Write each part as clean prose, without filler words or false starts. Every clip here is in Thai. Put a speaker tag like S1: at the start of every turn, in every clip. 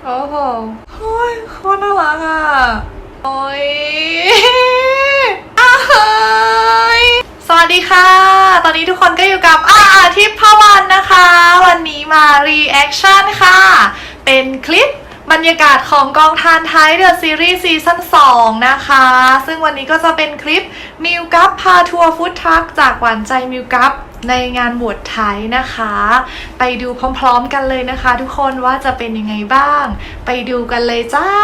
S1: โอ้โหโอ้ยโคตรน่ารักอ่ะโอ้ยสวัสดีค่ะตอนนี้ทุกคนก็อยู่กับทิพย์พวันนะคะวันนี้มารีแอคชั่นค่ะเป็นคลิปบรรยากาศของกองทานไทยเดอะซีรีส์ซีซั่น2นะคะซึ่งวันนี้ก็จะเป็นคลิปมิวกัปพาทัวร์ฟู้ดทรัคจากหวานใจมิวกัปในงานบวชไทยนะคะไปดูพร้อมๆกันเลยนะคะทุกคนว่าจะเป็นยังไงบ้างไปดูกันเลยจ้า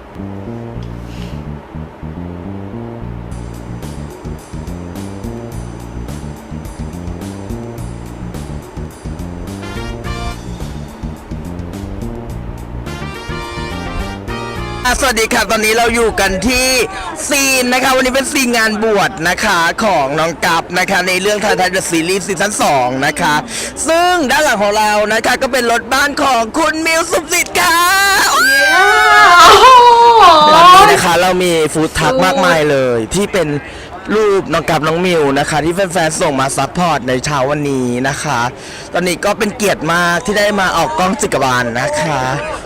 S2: สวัสดีครับตอนนี้เราอยู่กันที่ซีนนะคะวันนี้เป็นซีนงานบวชนะคะของน้องกัปนะคะในเรื่องไทยเดอะซีรีส์ซีซั่น2นะคะซึ่งด้านหลังของเรานะคะก็เป็นรถบ้านของคุณมิวสุขสิทธิ์ค่ะวันนี้นะคะเรามีฟู้ดทรัคมากมายเลยที่เป็นรูปน้องกัปน้องมิวนะคะที่แฟนๆส่งมาซัพพอร์ตในเช้าวันนี้นะคะตอนนี้ก็เป็นเกียรติมากที่ได้มาออกกล้องจิกบาลนะคะ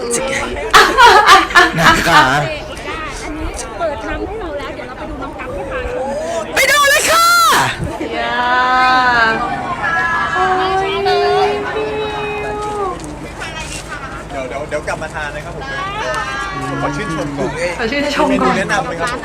S2: นะคะ
S3: อันนี้เปิดทางให้เราแล้วเดี๋ยวเราไปดูน้องกั๊บที่พาชม
S2: ไปดูเลยค่ะ
S4: เดี๋ยวกลับมาทานนะครับผมขอชื่นชมก่อน
S1: ขอชื่นชม
S4: เมนู
S1: ก่อน
S4: แนะนำไหมครับ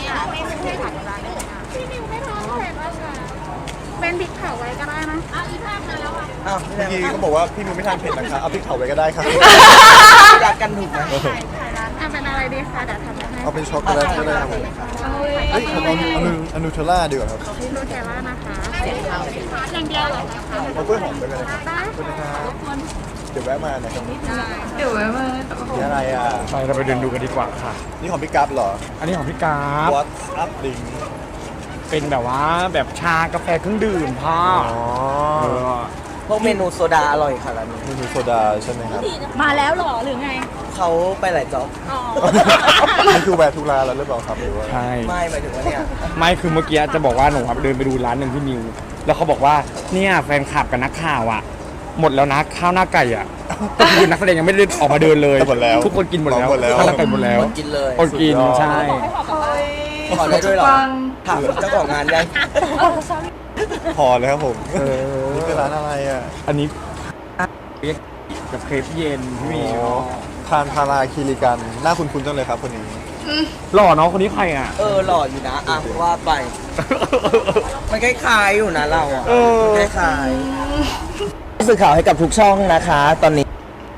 S3: เป็นพริกเผาไว้ก็ได้นะอีภาพมาแล้วอ่ะ
S4: เมื่อกี้เขาบอกว่าพี่มิวไม่ทานเผ็ดนะครับเอาพริกเผาไว้ก็ได้ครับ
S2: รักกันถูกไหม
S3: เป็นอะไรดีคะเดี๋ยวทำให้
S4: เอาเป็นช็อกโกแลตก็ได้ครับผมเฮ้ยผมเอานูเทลล่าดีกว่าครับ
S3: นูเทลล่านะคะอย่างเดียวเหรอคะ
S4: เอากล้วยหอมไปเลยครับขอบคุณนะครับเดี๋ยวแวะมานะครับ
S1: เดี๋ยวไว้มา
S4: นี่อะไรอ่ะ
S5: ไปเราไปเดินดูกันดีกว่าค่ะ
S4: นี่ของพี่กั๊บเหรอ
S5: อันนี้ของพี่กราฟ
S4: What's up drink
S5: เป็นแบบว่าแบบชากาแฟเครื่องดื่มพ่อเออ
S2: พวกเมนูโซดาอร่อยค่ะร้านนี้
S4: เมนูโซดาใช่ไหมครับ
S3: มาแล้วเหรอหรือไง
S2: เขาไปหลายจ็อบ
S3: อ๋อ
S4: นี่คือแวะทุกร้านแล้วหรือเปล่าครับหรือว่า
S5: ใช่
S2: ไม่หมายถึงว่าเนี่ย
S5: ไม่คือเมื่อกี้จะบอกว่าหนูครับเดินไปดูร้านหนึ่งที่นิว แล้วเขาบอกว่าเนี่ยแฟนคลับกับนักข่าวอ่ะ หมดแล้วนะข้าวหน้าไก่อ่ะก็คือนักแสดงยังไม่ได้ออกมาเดินเลย
S4: หมดแล้ว
S5: ทุกคนกินหมดแล้ว
S4: หมดแล้ว
S5: ข้าวหน้าไก่หมดแล้ว
S2: คนกินเลย
S5: คนกิน
S4: สุดยอด
S5: ใช่
S2: ขอได้ด้วยเหรอ
S1: ฟัง
S2: ถามเจ้าของงานยัง
S4: พอเลยครับผม
S5: เออ
S4: นี่คือร้านอะไรอ่ะ
S5: อันนี้กับเครปเย็นพี่มี
S4: ทานพาราคีริกันหน้าคุ้นๆจังเลยครับคนนี้
S5: หล่อเนาะคนนี้ใครอ่ะ
S2: หล่ออยู่นะอ่ะว่าไป มันคล้ายๆอยู่นะเราอ่ะ
S5: เออ
S2: คล้ายๆสื่อข่าวให้กับทุกช่องนะคะ ตอนนี้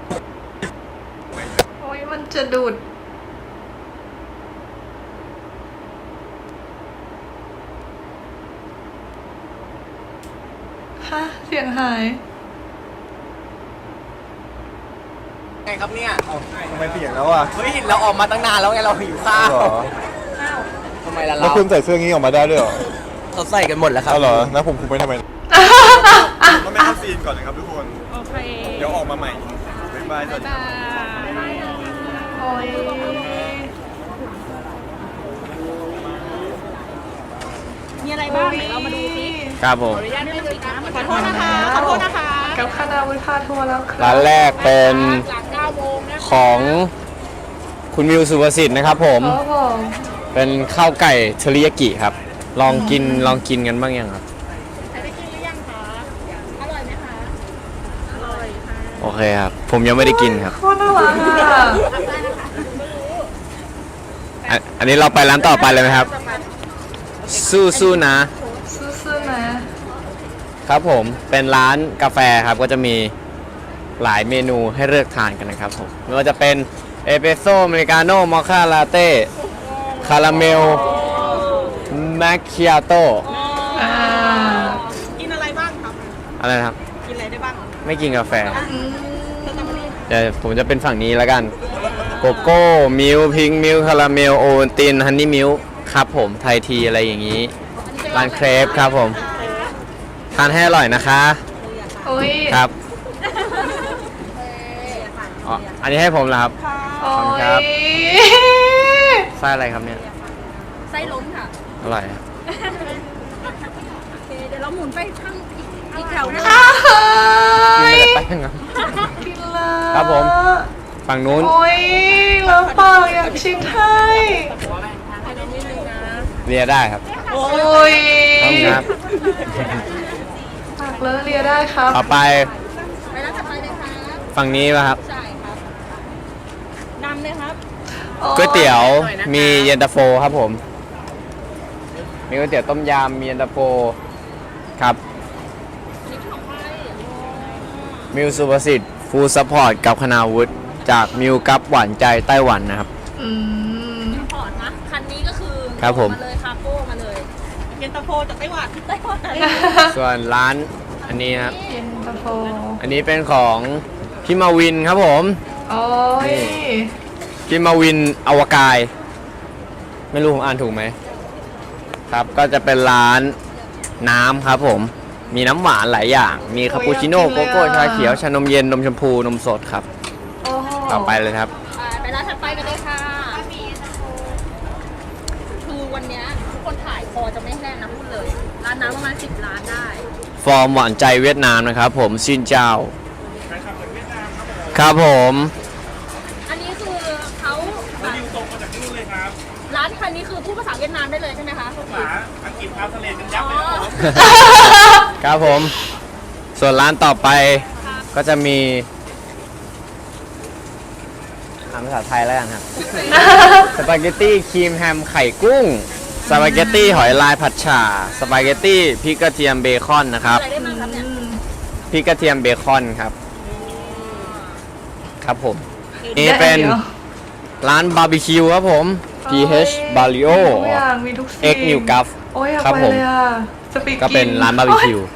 S1: โอ้ยมันจะดูดฮะเสียงหาย
S2: ไงครับเนี่ย
S4: ทำไมเปลี่ยนแล้วอ่ะ
S2: เฮ้ยเราออกมาตั้งนานแล้วไงเราหิวข้าว
S4: เหรอ
S2: ทำไมล่ะ
S4: แล้ว
S2: เรา
S4: คุณใส่เสื้องี้ออกมาได้ด้วยเหรอ
S2: เขาใส่กันหมดแล้วครับ
S4: เอาเหรอแล้วผมคุมไปทำไมก็ไม่เข้าซีนก่อนนะครับทุกคน
S3: โอเค
S4: เดี๋ยวออกมาใหม่บ๊ายบายสวัสดี
S1: โอ้ย
S3: มีอะไรบ้างเดี๋ยวเรามาดูสิ
S5: ครับผม
S3: ขออนุญาตไม่ปิดนะขอโทษนะคะขอโทษนะคะ
S1: กับคณะวิพาทัวร์แล้วครับ
S5: ร้านแรกเป็น
S3: หลัง9โมงนะ
S5: ของคุณมิวสุภสิทธิ์นะครับผม
S1: โอ้โห
S5: เป็นข้าวไก่เทริยากิครับ ลองกินกันบ้างยังครับ
S3: ใครได้กินหรือยังคะอร่อยไหมคะอร่อยค่ะ
S5: โอเคครับ ผมยังไม่ได้กินครับ
S1: โคตรน่ารักอ่ะ
S5: อันนี้เราไปร้านต่อไปเลยไหมครับ สู้ๆนะ
S1: ซื่อๆนะครับ
S5: ผมเป็นร้านกาแฟครับก็จะมีหลายเมนูให้เลือกทานกันนะครับผมไม่ว่าจะเป็นเอสเปรสโซ่อเมริกาโน่มอคค่าลาเต้คาราเมลแมคคิอาโต้
S1: อ่า
S3: กินอะไรบ้างครับ
S5: อะไรนะครับ
S3: กินอะไรได้บ้าง
S5: ไม่กินกาแฟ
S1: อืม
S5: เดี๋ยวผมจะเป็นฝั่งนี้แล้วกันโกโก้มิลพิงมิลคาราเมลโอวัลตินฮันนี่มิลครับผมไทยทีอะไรอย่างนี้ร้านเครปครับผมทานให้อร่อยนะคะ
S1: โอ้ย
S5: ครับอ๋ออันนี้ให้ผมเหรอครับ
S1: โอ้
S5: ขอบคุณครับ
S1: ย
S5: ไส้อะไรครับเนี่ย
S3: ไส้ล้มค่ะ
S5: อร่อยครับ
S3: โอเคเดี๋ยวเราหมุนไปข้างอีกแถวนึง
S1: อ้าวเฮ้
S5: กิน
S1: ย
S5: ไปเลยแป้งครับ
S1: กินเลย
S5: ครับผมฝั่งนู้น
S1: โอ้ยแล้วปากอยากชิมให้
S5: เลียได้ครับ
S1: โอ้ย
S5: ต้องครับ
S1: ปากเลอะเลียได้ครับ
S5: ต่อไป
S3: ไปร้านถัดไปเลยครับ
S5: ฝั่งนี้ป่ะครับ
S3: ใช่ครับนำเลยครับ
S5: ก๋วยเตี๋ยวมีเย็นตาโฟครับผม มีก๋วยเตี๋ยวต้มยำมีเย็นตาโฟครับ
S3: นี่ของใคร
S5: มิวสุประสิทธิ์ฟูลซัพพอร์ตกับคณาวุฒิจากมิวกับหวานใจไต้หวันนะครับ
S1: อืม
S3: พอร์ตนะคันนี้ก็คือ
S5: ครับผม
S3: มาเลยคาโก้มาเลยเย็นตาโฟจากไต้หวันไต้หวัน
S5: ส่วนร้านอันนี้นะครับ
S1: เย็นตาโฟ
S5: อันนี้เป็นของพี่มาวินครับผม
S1: โอ้ย
S5: พี่มาวินอวกาย ไม่รู้ผมอ่านถูกไหมครับก็จะเป็นร้านน้ำครับผม มีน้ำหวานหลายอย่าง มีคาปูชิโน่โกโก้ชาเขียวชานมเย็นนมชมพูนมสดครับ
S1: โอ้โห
S5: ต่อไปเลยครับ
S3: ไปร้านถัดไปกันเลยค่ะคือวันเนี้ยทุกคนถ่ายคอจะไม่แห้งนะพูดเลย ร้านน้ำประมาณ10 ร้านได้
S5: ฟอร์มหวานใจเวียดนามนะครับผมซินเจ้าครับผม
S3: อันนี้คือเขาส่งมาจากนู่นเลยครับร้านคันนี้คือพูดภาษาเวียดนามได้เลยใช่ไหมคะภาษาอังกฤษทำทะเลกันยับเลย
S5: ครับผม ส่วนร้านต่อไปก็จะมีอ่านภาษาไทยแล้วกันครับ สปาเกตตี้ครีมแฮมไข่กุ้ง สปาเกตตี้หอยลายผัดฉ่า สปาเกตตี้พริกกระเทียมเบคอนนะครับ
S3: อะไรได้บ้างครับเนี่ย
S5: พริกกระเทียมเบคอนครับ ครับผม นี่เป็น
S1: ดี๋ยว
S5: ร้านบาร์บีคิวครับผม PH Barrio
S1: ทุกอย่างมีทุกสิ่ง
S5: X New Guff
S1: โอ้ยอยาก
S5: ครับ
S1: ไป
S5: ผม
S1: เลยอ่ะสปีก
S5: ก็เป็นร้านบาร์บีคิว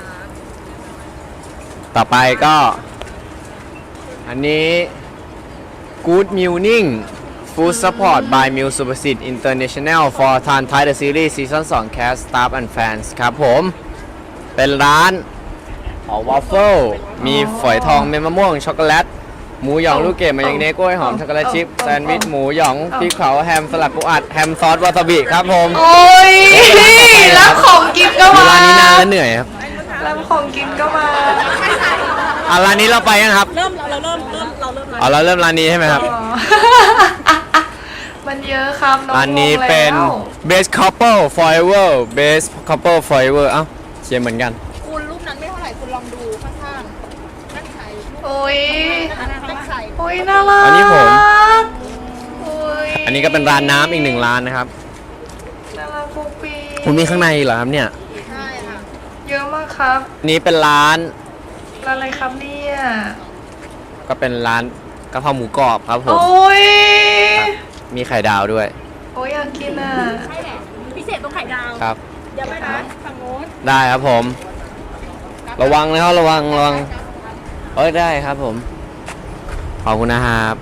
S5: ต่อไปก็ อันนี้ Good Morning Food Support by Meal Supersit International for Tan Thai The Series Season 2 Cast Staff and Fans ครับผม เป็นร้านวอฟเฟิลมีฝอยทองเม็ดมะม่วงช็อกโกแลต หมูหยองลูกเกดมายองเนสกล้วยหอมช็อกโกแลตชิพแซนด์วิชหมูหยองพริกเผาแฮมสลัดปูอัดแฮมซอสวาซาบิครับผม
S1: โอ้ยรับของกินก็
S5: อยู่
S1: มา
S5: ร้านนี้นานแล้วเหนื่อยครับ
S1: รับของกินก็มา
S5: ร้านนี้เราไปยังครับ
S3: เริ่มเราเริ่ม
S5: เราเริ่มร้านนี้ใช่ไหมครับ
S1: อ๋อ มันเยอะครับน้อง
S5: ร้านนี้
S1: งง
S5: เป็น
S1: แล้ว
S5: Best Couple Forever Best Couple Forever เอ้าเขียนเหมือนกัน
S3: คุณรูปนั้นไม่เท่าไหร่คุณลองดูข้างๆนั่นใคร
S1: โอ้ย
S3: นั่นใคร
S1: โอ้ยน่ารัก
S5: อันนี้ผม
S1: โอ้ย
S5: อันนี้ก็เป็นร้านน้ำอีกหนึ่งร้านนะครับ
S1: น่ารักปุ๊กปี
S5: คุณมีข้างในเหรอครับเนี่ย
S3: ใช่ค่ะ
S1: เยอะมากครับ
S5: อันนี้เป็นร้าน
S1: ร้านอะไรครับเนี่ย
S5: ก็เป็นร้านกะเพราหมูกรอบครับผม
S1: โอ้ย
S5: มีไข่ดาวด้วย
S1: โอ้ยอยากกินอ่ะ
S3: ใช่แหละพิเศษตรงไข่ดาว
S5: ครับ
S3: เดี๋ยวไปนะฝั่งโน้น
S5: ได้ครับผม ระวังนะครับระวังเอ้ยได้ครับผม ขอบคุณนะครับ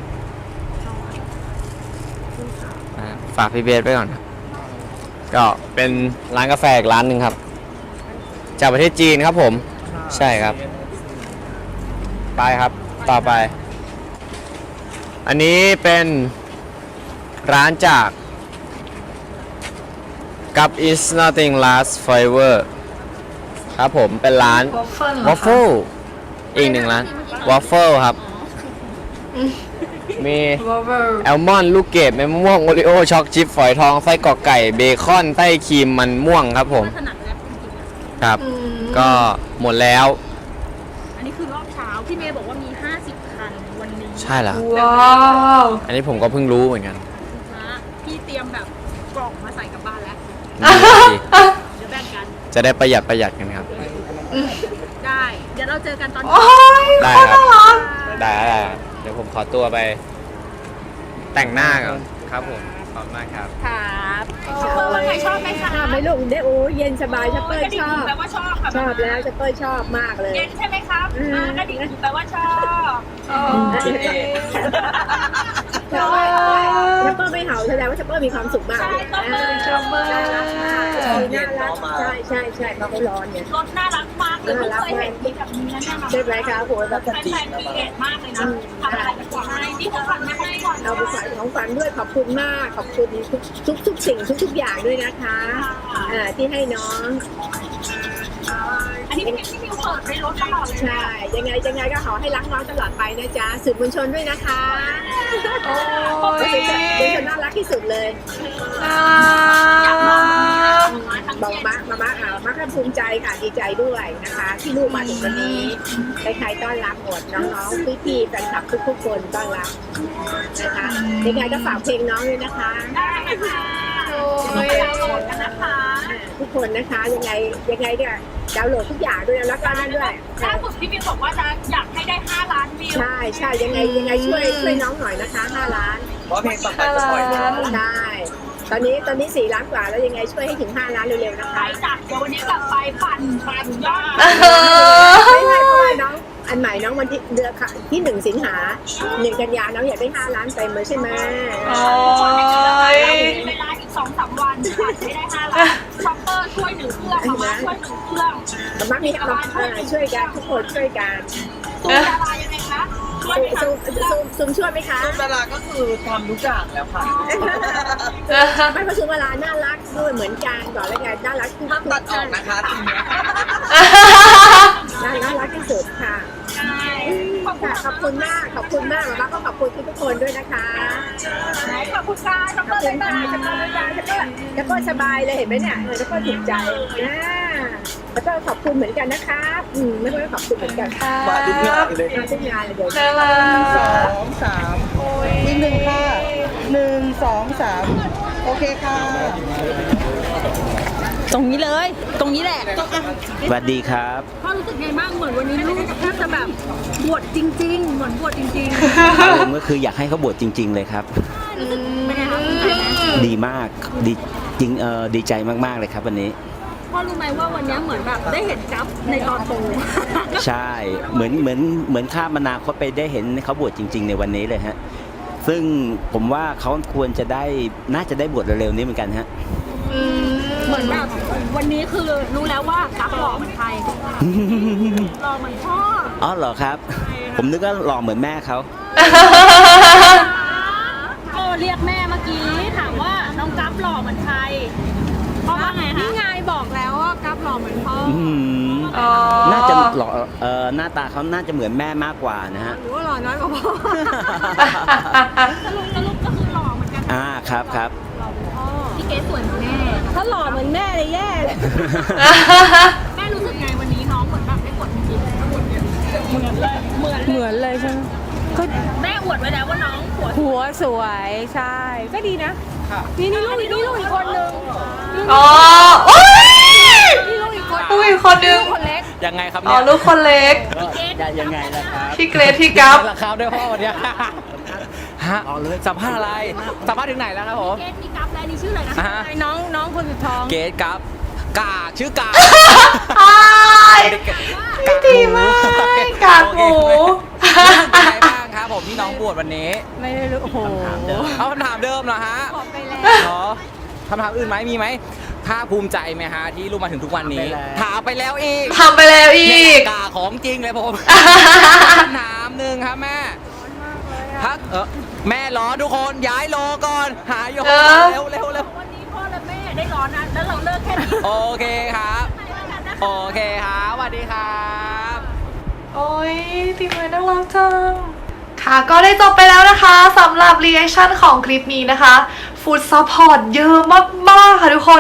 S5: ฝากพี่เบสไว้ก่อนครับก็เป็นร้านกาแฟอีกร้านหนึ่งครับ จากประเทศจีนครับผม ใช่ครับ ไปครับ ต่อไป อันนี้เป็นร้านจากกับ is nothing last forever ครับผมเป็นร้าน
S1: วอฟเฟิล
S5: วอฟเฟิลอีกหนึ่งร้านวอฟเฟิลครับ มี
S1: วอฟเฟิล
S5: แอลมอนด์ลูกเกดเมมะม่วงโอริโอช็อกชิพฝอยทองไส้กรอกไก่เบคอนไส้ครีมมันม่วงครับผม
S3: ถนัดแล้วจริงๆ
S5: ครับ ก็หมดแล้ว
S3: อันนี้คือรอบเช้าพี่เมย์บอกว่ามี 50 คันวันนี้
S5: ใช่แล้ว
S1: ว้าว
S5: อันนี้ผมก็เพิ่งรู้เหมือนกัน
S3: นะพี่เตรียมแบบกล่องมาใส่กลับบ้านแล้ว
S5: นี่สิ
S3: เดี๋ยวแบ่งกัน
S5: จะได้ประหยัดกันครับ
S3: ได้ เดี๋ยวเราเจอกันตอน
S1: โอ้ย
S5: ได้ครับ
S1: น่ารัก
S5: ได้เดี๋ยวผมขอตัวไป แต่งหน้าก่อนครับผมขอบคุณมากครับ
S3: ครับชอบว่าใครชอบไหมคะ
S6: ชอบไหมลูกได้โอ้เย็นสบายชัปเปอร์ชอบ
S3: แปลว่าชอบค่ะ
S6: ชอบแล้วชัปเปอร์ชอบมากเลย
S3: เย็นใช่ไหมครับกระดิ่งแปลว่าชอบ
S1: โอ้ย
S6: ชอบชัปเปอร์ไม่เห่าแสดงว่าชัปเปอร์มีความสุขมากเลย
S1: จับมือ
S6: น่ารักใช่เพราะเขาร้อนเนี่ย
S3: รถน่ารักมากเลยไม่เคยเห็นมีแบบนี้นะเนี่ย
S6: ใช่ไหมคะโหแบบ
S3: แฟนๆมีเกตมากเลยนะทำอะไรกันก่อนให้นี่คือฝันไม่ให้ก่อน
S6: เอาไปใส่ของฝันด้วยขอบคุณมากขอบคุณทุกสิ่งทุกอย่างด้วยนะคะที่ให้น้อง
S3: อันนี้พี่มิวเปิดในรถตลอดเลย
S6: ใช่ ยังไงก็ขอให้รักน้องตลอดไปนะจ๊ะสื่อมวลชนด้วยนะคะ
S1: โอ้ย
S6: สื่อมวลชนน่ารักที่สุดเลย
S1: น่ารัก
S6: บอกมาก็ภูมิใจค่ะดีใจด้วยนะคะ ที่ลูกมาถึงวันนี้ใครๆต้อนรับหมดน้องๆพี่ๆแฟนคลับทุกๆคนต้อนรับนะคะยังไงก็ฝากเพลงน้องด้วยนะคะ
S3: ได้ค่ะ
S1: โอ้ย
S3: ดาวน์โหลดกันนะคะ
S6: ทุกคนนะคะยังไงเนี่ยดาวน์โหลดทุกอย่างด้วยแล้วก็นั่นด้วย
S3: ล่าสุดพี่มิวบอกว่าจะอยากให้ได้5 ล้านวิว
S6: ใช่ยังไงช่วยน้องหน่อยนะคะ5 ล้าน
S2: เพราะเพลงต่อไปจะปล่อย
S1: 5 ล้าน
S6: ใช่ตอนนี้4 ล้านกว่าแล้วยังไงช่วยให้ถึง5 ล้านเร็วๆนะ
S3: ไป
S6: คะ
S3: จัดเดี๋ยววันนี้กลับไปปั่นยอด
S6: ไม่เพราะว่าน้องอันใหม่น้องวันที่เดือนที่1 สิงหา1 กันยาน้องอยากได้5 ล้านเต็มเลยใช่ไหม
S1: โอ้ย
S3: มีเวลาอีก2-3 วันปั่นให้ได้5 ล้านช็อปเปอร์ช่วย1 เครื่องมาช่วย1 เครื่อง
S6: แต่มักมีช่วยกันทุกคนช่วยกัน
S3: ซูมดารายังไงคะช่วยไหมคะ
S6: ซุมช่วยไหมคะ
S2: ดาราก็คือทำทุกอย่างแล้วค่ะ
S6: ไม่ประชุมเวลาน่ารักด้วยเหมือนกันบอกแล้วไงน่ารักทุก
S2: ห้ามตัดออกนะคะทีนี้
S6: น่ารักที่สุดค่ะ ขอบคุณมากมาม่าก็ขอบคุณทุกคนด้วยนะคะ
S3: ขอบคุณค่ะช็อป
S6: ข
S3: เป
S6: อ
S3: อบ ร์
S6: คุ
S3: เลย
S6: ณ
S3: ค่ะ
S6: ค่ะแล้วก็สบายเลยเห็นไหมเนี่ยแล้วก็ถูกใจแล้วก็ขอบคุณเหมือนกันนะคะไม่ต้องขอบคุณเหมือนกันค่ะ
S2: มาทุกอย่างเลย
S6: มาทุกงานเลยเดี๋ยว
S1: น่ารัก
S7: 2 3
S1: โอ้ย
S7: อีก1ค่ะ1 2 3 โอเคค่ะ
S3: ตรงนี้เลยตรงนี้แหละ
S5: สวัสดีครับ
S3: พ่อรู้สึกไงบ้างเหมือนวันนี้ลูกแทบจะแบบบวชจริงๆเหมือนบวชจริง
S8: อารมณ์ก็คืออยากให้เขาบวชจริง ๆ เลยครับ
S3: ๆรู้สึกเป็นไงคะภูมิใจไหม
S8: ดีมากดีจริงดีใจมากๆเลยครับวันนี้
S3: พ่อรู้ไหมว่าวันนี้เหมือนแบบได้เห็นกัฟในตอนโต
S8: ใช่เหมือนข้ามอนาคตไปได้เห็นเขาบวชจริง ๆ ในวันนี้เลยฮะซึ่งผมว่าเขาควรจะได้น่าจะได้บวชเร็วๆนี้เหมือนกันฮะ
S3: เหมือนแบบวันนี้คือรู้แล้วว่ากัฟหล่อเหมือนใครหล่อเหมือนพ่อ
S8: อ๋อเหรอครับ ผมนึกว่าหล่อเหมือนแม่เขา
S3: เรียกแม่เมื่อกี้ถามว่าน้องกัฟหล่อเหมือนใครพ่อว่าไงคะนี่ไงบอกแล้วว่ากัฟหล่อเหมือนพ่อ
S1: อ๋อ
S8: น่าจะหล่อหน้าตาเขาน่าจะเหมือนแม่มากกว่านะฮะ
S3: หรือว่าหล่อน้อยกว่าพ่อสรุปก็คือหล่อเหมือนกัน
S8: ครับ
S3: พี่เกสสวยเหมือนแม่ ถ้าหล่อเหมือนแม่เลยแย่เลย แม่รู้สึกไงวันนี้น้องเหมือนแบบได้บทจริงๆเหมือนเลยใช่ไหมคือแม่อวดไว้แล้วว่าน้องหัวสวยใช่ก็ดีนะนี่ลูกอีกคนนึง
S1: อ๋อโอ้ย
S3: นี่ลูกอีกคน
S1: ลูกอีกคนนึง
S3: คนเล็ก
S5: ยังไงครับ
S1: อ๋อ
S5: เนี่ย
S1: ลูกคนเล็ก
S8: ยังไงล่ะครับ
S1: พี่เกรทพี่กัฟ
S5: ราคาด้วยพ่อวันเนี้ยฮะสัมภาษณ์อะไรสัมภาษณ์ถึงไหนแล้วครับผม
S3: เกสมีกัฟแล้วนี่ชื่ออะไรนะ
S5: อ่าฮะ
S3: น้องคนสุดท้อง
S5: เกตครับกากชื่อกาก
S1: อ้ายดีมากกากหมู
S5: เป็นไงบ้างครับผมที่น้องบวชวันนี้
S3: ไม่ได้รู้โอ้โห
S5: เอาคำถามเดิมเหรอฮะ
S3: บอกไปแล้ว
S5: เหรอคำถามอื่นไหมมีไหมภาคภูมิใจไหมฮะที่ลูกมาถึงทุกวันนี้ ถามไปแล้วอีก
S1: ทำไปแล้วอี
S5: เนี่ย
S1: ก
S5: กาของจริงเลยผมคำถามหนึ่งครับแม่พักแม่ร้อนทุกคนย้ายโลก่อนหายโย
S1: เออ
S5: เร็ว
S3: วันนี้พ่อและแม่ได้ร้อนนะแล้วเราเลิกแค่นี้
S5: โอเคครับโอเคครับสวัสดีครับ
S1: โอ้ยทีมงานน่ารักจัง ค่ะก็ได้จบไปแล้วนะคะสำหรับรีแอคชั่นของคลิปนี้นะคะฟู้ดซัพพอร์ตเยอะมากๆค่ะทุกคน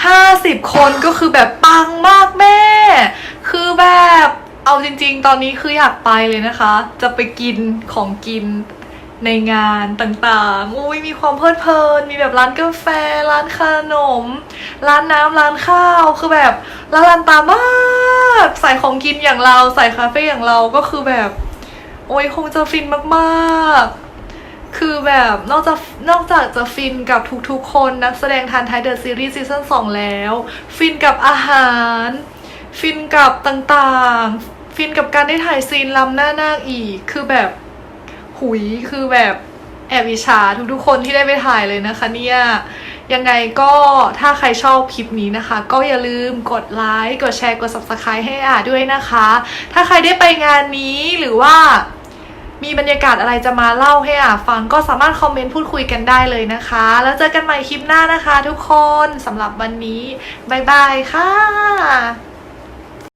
S1: 50 คนก็คือแบบปังมากแม่ คือแบบเอาจริงๆ ตอนนี้คืออยากไปเลยนะคะ จะไปกินของกินในงานต่างๆอุ้ยมีความเพลิดเพลิน มีแบบร้านกาแฟ ร้านขนม ร้านน้ำร้านข้าว คือแบบละลานตามากใส่ของกินอย่างเราใส่คาเฟ่อย่างเราก็คือแบบ โอ้ยคงจะฟินมากๆ คือแบบนอกจากจะฟินกับทุกๆคนนักแสดงทันไทยเดอะซีรีส์ซีซั่น2แล้ว ฟินกับอาหาร ฟินกับต่างๆ ฟินกับการได้ถ่ายซีนล้ำหน้านาคอีก คือแบบหุยคือแบบแอบอิจฉาทุกๆคนที่ได้ไปถ่ายเลยนะคะเนี่ย ยังไงก็ถ้าใครชอบคลิปนี้นะคะ ก็อย่าลืมกดไลค์ กดแชร์ กด Subscribe ให้ด้วยนะคะ ถ้าใครได้ไปงานนี้หรือว่ามีบรรยากาศอะไรจะมาเล่าให้ฟังก็สามารถคอมเมนต์พูดคุยกันได้เลยนะคะ แล้วเจอกันใหม่คลิปหน้านะคะทุกคนสำหรับวันนี้บ๊ายบายค่ะ